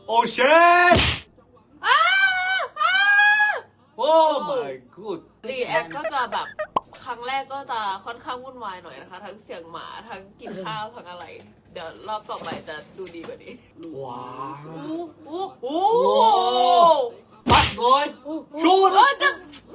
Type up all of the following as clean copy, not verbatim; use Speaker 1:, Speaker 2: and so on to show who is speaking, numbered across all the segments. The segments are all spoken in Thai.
Speaker 1: โอเชนโอ้ my god
Speaker 2: รีแอคก็จะแบบครั้งแรกก็จะค่อนข้างวุ่นวายหน่อยนะคะ ทั้งเสียงหมาทั้งกินข้าวทั้งอะไร เดี๋ยวรอบต่อไปจะดูดีกว่านี้
Speaker 1: ว้าว
Speaker 2: อู้
Speaker 1: ปัดเลยชูด
Speaker 2: จะ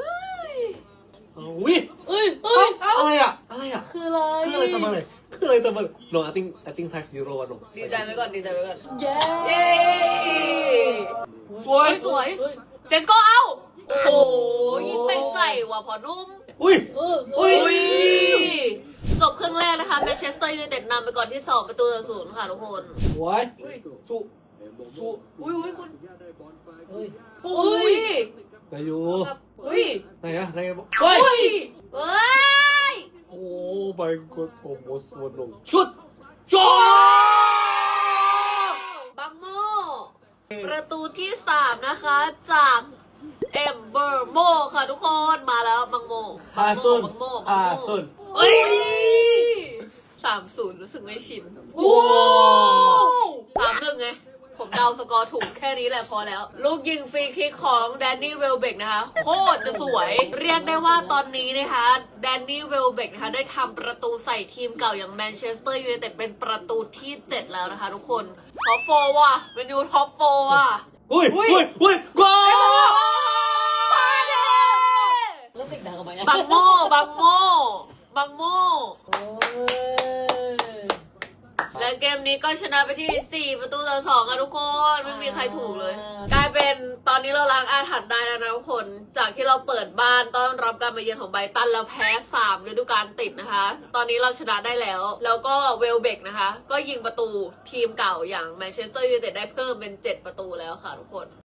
Speaker 1: วิ อะไรอ่ะ
Speaker 2: คืออะไร
Speaker 1: คืออะไรทำอะไรคืออะไรทำอะไรลง I think 5-0อ่ะลง
Speaker 2: ดีใจไว้ก่อนดีใจไว้ก่อน
Speaker 3: เย้
Speaker 2: เย้
Speaker 1: สวย
Speaker 2: สวยเซสโกเอาโอ้โหยิงไปใส่ว่ะพอนุ่ม
Speaker 1: อุ้ย
Speaker 2: อุ้ยจบครึ่งแรกนะคะแมนเชสเตอร์ยูไนเต็ดนำไปก่อนที่2-0ค่ะทุกคน
Speaker 1: สวยสู้
Speaker 2: อุ้ยคุณ
Speaker 3: เฮ้ย
Speaker 2: อุ้ย
Speaker 1: นายอยู่
Speaker 2: อุ้ย
Speaker 1: ไหนอะไหนเฮ้ย
Speaker 2: เฮ้ย
Speaker 1: โอ้ my god โอ้โหสวนลงชุดจอ
Speaker 2: บังโมประตูที่3นะคะจากเอมเบอร์โมค่ะทุกคนมาแล้วบังโม
Speaker 1: อาซุน
Speaker 2: บังโม
Speaker 1: อาซุน
Speaker 2: เอ้ย3-0รู้สึกไม่ชิน
Speaker 1: โอ้
Speaker 2: 3-1ไงผมเดาสกอร์ถูกแค่นี้แหละพอแล้ว ลูกยิงฟรีคิกของแดนนี่เวลเบกนะคะ โคตรจะสวย เรียกได้ว่าตอนนี้นะคะแดนนี่เวลเบกนะคะได้ทำประตูใส่ทีมเก่าอย่างแมนเชสเตอร์ยูไนเต็ดเป็นประตูที่ 7 แล้วนะคะทุกคนท็อปโฟว่ะเป็นยูท็อปโฟว่ะ
Speaker 1: อุ้ยกอล
Speaker 2: มาเด้
Speaker 3: แล้วเสียงดังออกมายัง
Speaker 2: บังโมบังโม
Speaker 3: โอ้ย
Speaker 2: และเกมนี้ก็ชนะไปที่4-2ค่ะทุกคนไม่มีใครถูกเลย กลายเป็นตอนนี้เราล้างอาถรรพ์ได้แล้วนะทุกคน จากที่เราเปิดบ้านต้อนรับการมาเยือนของไบรตันแล้วแพ้3ฤดูกาลติดนะคะ ตอนนี้เราชนะได้แล้ว แล้วก็เวลเบกนะคะ ก็ยิงประตูทีมเก่าอย่างแมนเชสเตอร์ยูไนเต็ดได้เพิ่มเป็น7 ประตูแล้วค่ะทุกคน